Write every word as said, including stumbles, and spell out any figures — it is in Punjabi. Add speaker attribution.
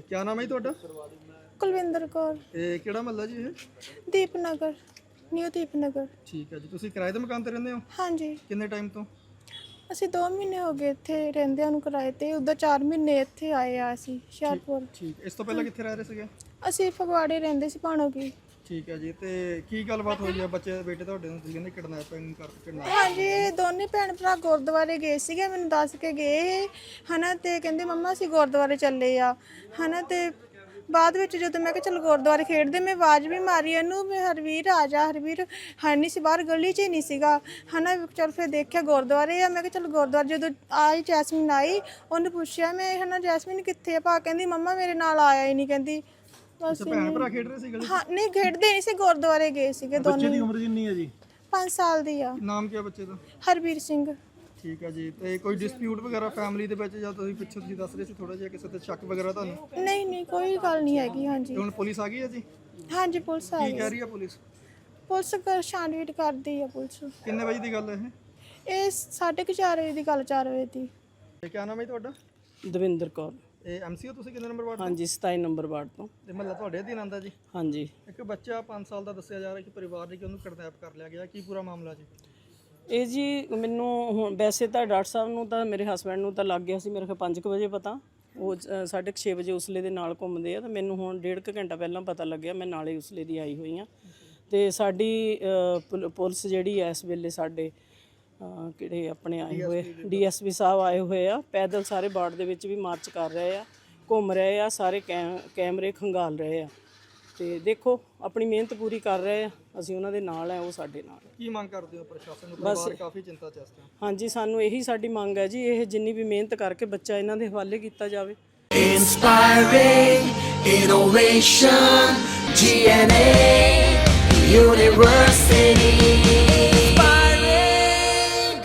Speaker 1: क्या नाम है ਤੁਹਾਡਾ?
Speaker 2: ਕੁਲਵਿੰਦਰ ਕੌਰ।
Speaker 1: ਇਹ ਕਿਹੜਾ ਮਹੱਲਾ ਜੀ ਇਹ?
Speaker 2: ਦੀਪਨਗਰ, ਨਿਊ ਦੀਪਨਗਰ।
Speaker 1: ਠੀਕ ਹੈ ਜੀ। ਤੁਸੀਂ ਕਿਰਾਏ ਦੇ ਮਕਾਨ ਤੇ ਰਹਿੰਦੇ ਹੋ?
Speaker 2: ਹਾਂਜੀ।
Speaker 1: ਕਿੰਨੇ ਟਾਈਮ ਤੋਂ?
Speaker 2: ਅਸੀਂ ਦੋ ਮਹੀਨੇ ਹੋ ਗਏ ਇੱਥੇ ਰਹਿੰਦਿਆਂ ਨੂੰ ਕਿਰਾਏ ਤੇ। ਉਦੋਂ ਚਾਰ ਮਹੀਨੇ ਇੱਥੇ ਆਏ ਆ ਅਸੀਂ ਹੁਸ਼ਿਆਰਪੁਰ।
Speaker 1: ਠੀਕ। ਇਸ ਤੋਂ ਪਹਿਲਾਂ ਕਿੱਥੇ ਰਹਿ ਰਹੇ ਸੀਗੇ?
Speaker 2: ਅਸੀਂ ਫਗਵਾੜੇ ਰਹਿੰਦੇ ਸੀ, ਭਾਣੋ ਕੀ।
Speaker 1: ਠੀਕ ਹੈ ਜੀ। ਤੇ ਕੀ ਗੱਲਬਾਤ ਹੋਈ ਆ ਬੱਚੇ ਬੇਟੇ ਤੁਹਾਡੇ ਨੂੰ? ਤੁਸੀਂ ਕਹਿੰਦੇ ਕਿਡਨੈਪਿੰਗ ਕਰ ਕਿਡਨੈਪ?
Speaker 2: ਹਾਂਜੀ, ਇਹ ਦੋਨੇ ਭੈਣ ਭਰਾ ਗੁਰਦੁਆਰੇ ਗਏ ਸੀਗੇ, ਮੈਨੂੰ ਦੱਸ ਕੇ ਗਏ ਹਨਾ। ਤੇ ਕਹਿੰਦੇ ਮੰਮਾ ਅਸੀਂ ਗੁਰਦੁਆਰੇ ਚੱਲੇ ਆ ਹਨਾ। ਤੇ ਬਾਅਦ ਵਿੱਚ ਜਦੋਂ ਮੈਂ ਕਿਹਾ ਚਲ ਗੁਰਦੁਆਰੇ ਖੇਡਦੇ, ਮੈਂ ਆਵਾਜ਼ ਵੀ ਮਾਰੀ ਇਹਨੂੰ ਵੀ ਹਰਵੀਰ ਆ ਜਾ। ਹਰਵੀਰ ਹੈ ਨਹੀਂ ਸੀ, ਬਾਹਰ ਗਲੀ 'ਚ ਹੀ ਨਹੀਂ ਸੀਗਾ ਹਨਾ। ਚਲ ਫਿਰ ਦੇਖਿਆ ਗੁਰਦੁਆਰੇ ਆ। ਮੈਂ ਕਿਹਾ ਚਲ ਗੁਰਦੁਆਰੇ ਜਦੋਂ ਆਈ ਜੈਸਮੀਨ ਆਈ, ਉਹਨੇ ਪੁੱਛਿਆ ਮੈਂ ਹਨਾ ਜੈਸਮੀਨ ਕਿੱਥੇ ਆ? ਭਾ ਕਹਿੰਦੀ ਮੰਮਾ ਮੇਰੇ ਨਾਲ ਆਇਆ ਹੀ ਨਹੀਂ। ਕਹਿੰਦੀ ਬਸ
Speaker 1: ਭੈਣ ਭਰਾ ਖੇਡ ਰਹੇ ਸੀ ਗਲੀ?
Speaker 2: ਹਾਂ, ਨਹੀਂ ਖੇਡਦੇ ਨਹੀਂ ਸੀ, ਗੁਰਦੁਆਰੇ ਗਏ ਸੀਗੇ ਦੋਨੋਂ।
Speaker 1: ਬੱਚੇ ਦੀ ਉਮਰ ਕਿੰਨੀ ਹੈ ਜੀ?
Speaker 2: ਪੰਜ ਸਾਲ ਦੀ ਆ।
Speaker 1: ਨਾਮ ਕੀ ਹੈ ਬੱਚੇ ਦਾ?
Speaker 2: ਹਰਵੀਰ ਸਿੰਘ।
Speaker 1: ਠੀਕ ਹੈ ਜੀ। ਤੇ ਕੋਈ ਡਿਸਪਿਊਟ ਵਗੈਰਾ ਫੈਮਿਲੀ ਦੇ ਵਿੱਚ ਜਾਂ ਤੁਸੀਂ ਪਿੱਛੇ ਤੁਸੀਂ ਦੱਸ ਰਹੇ ਸੀ ਥੋੜਾ ਜਿਹਾ ਕਿਸੇ ਤੇ ਸ਼ੱਕ ਵਗੈਰਾ ਤੁਹਾਨੂੰ?
Speaker 2: ਨਹੀਂ ਨਹੀਂ, ਕੋਈ ਗੱਲ ਨਹੀਂ ਹੈਗੀ। ਹਾਂਜੀ।
Speaker 1: ਤੇ ਹੁਣ ਪੁਲਿਸ ਆ ਗਈ ਹੈ ਜੀ?
Speaker 2: ਹਾਂਜੀ, ਪੁਲਿਸ ਆ
Speaker 1: ਕੀ
Speaker 2: ਗਈ।
Speaker 1: ਕਹਿ ਰਹੀ ਹੈ ਪੁਲਿਸ?
Speaker 2: ਪੁਲਿਸ ਕਰ ਛਾਣਬੀਣ ਕਰਦੀ ਆ ਪੁਲਿਸ।
Speaker 1: ਕਿੰਨੇ ਵਜੇ ਦੀ ਗੱਲ ਹੈ ਇਹ?
Speaker 2: ਇਹ ਸਾਢੇ ਕੁ ਚਾਰ ਵਜੇ ਦੀ ਗੱਲ, ਚਾਰ ਵਜੇ ਦੀ।
Speaker 1: ਤੇ ਕੀ ਨਾਮ ਹੈ ਤੁਹਾਡਾ?
Speaker 3: ਦਵਿੰਦਰ ਕੌਰ।
Speaker 1: ਇਹ ਐਮਸੀਓ ਤੁਸੀਂ ਕਿੰਨੇ ਨੰਬਰ ਵਾਰਡ?
Speaker 3: ਹਾਂਜੀ, ਸਤਾਈ ਨੰਬਰ ਵਾਰਡ ਤੋਂ।
Speaker 1: ਤੇ ਮਹੱਲਾ ਤੁਹਾਡੇ ਅਧੀਨ ਆਉਂਦਾ ਜੀ?
Speaker 3: ਹਾਂਜੀ।
Speaker 1: ਇੱਕ ਬੱਚਾ ਪੰਜ ਸਾਲ ਦਾ ਦੱਸਿਆ ਜਾ ਰਿਹਾ ਕਿ ਪਰਿਵਾਰ ਨੇ ਕਿ ਉਹਨੂੰ ਕਿਡਨੈਪ ਕਰ ਲਿਆ ਗਿਆ। ਕੀ ਪੂਰਾ ਮਾਮਲਾ ਜੀ?
Speaker 3: ਇਹ ਜੀ ਮੈਨੂੰ ਹੁਣ ਵੈਸੇ ਤਾਂ ਡਾਕਟਰ ਸਾਹਿਬ ਨੂੰ ਤਾਂ ਮੇਰੇ ਹਸਬੈਂਡ ਨੂੰ ਤਾਂ ਲੱਗ ਗਿਆ ਸੀ ਮੇਰੇ ਖਿਆਲ ਪੰਜ ਕੁ ਵਜੇ ਪਤਾ। ਉਹ ਅ, ਸਾਢੇ ਕੁ ਛੇ ਵਜੇ ਉਸਲੇ ਦੇ ਨਾਲ ਘੁੰਮਦੇ ਆ। ਤਾਂ ਮੈਨੂੰ ਹੁਣ ਡੇਢ ਕੁ ਘੰਟਾ ਪਹਿਲਾਂ ਪਤਾ ਲੱਗਿਆ। ਮੈਂ ਨਾਲੇ ਉਸਲੇ ਦੀ ਆਈ ਹੋਈ ਹਾਂ। ਅਤੇ ਸਾਡੀ ਅ, ਪੁਲ- ਪੁਲਿਸ ਜਿਹੜੀ ਹੈ ਇਸ ਵੇਲੇ ਸਾਡੇ ਅ, ਕਿਹੜੇ ਆਪਣੇ ਆਏ ਹੋਏ ਡੀ ਐਸ ਪੀ ਸਾਹਿਬ ਆਏ ਹੋਏ ਆ। ਪੈਦਲ ਸਾਰੇ ਵਾਰਡ ਦੇ ਵਿੱਚ ਵੀ ਮਾਰਚ ਕਰ ਰਹੇ ਆ, ਘੁੰਮ ਰਹੇ ਆ, ਸਾਰੇ ਕੈ ਕੈਮਰੇ ਖੰਗਾਲ ਰਹੇ ਆ। ਤੇ ਦੇਖੋ ਆਪਣੀ ਮਿਹਨਤ ਪੂਰੀ ਕਰ ਰਹੇ ਆ, ਅਸੀਂ ਉਹਨਾਂ ਦੇ ਨਾਲ ਆ, ਉਹ ਸਾਡੇ ਨਾਲ।
Speaker 1: ਕੀ ਮੰਗ ਕਰਦੇ ਹੋ ਪ੍ਰਸ਼ਾਸਨ ਨੂੰ? ਪਰਿਵਾਰ ਕਾਫੀ ਚਿੰਤਾ ਚ ਇਸ ਟਾਈਮ।
Speaker 3: ਹਾਂਜੀ, ਸਾਨੂੰ ਇਹੀ ਸਾਡੀ ਮੰਗ ਹੈ ਜੀ, ਇਹ ਜਿੰਨੀ ਵੀ ਮਿਹਨਤ ਕਰਕੇ ਬੱਚਾ ਇਹਨਾਂ ਦੇ ਹਵਾਲੇ ਕੀਤਾ ਜਾਵੇ।
Speaker 4: Inspiring innovation, G N A University.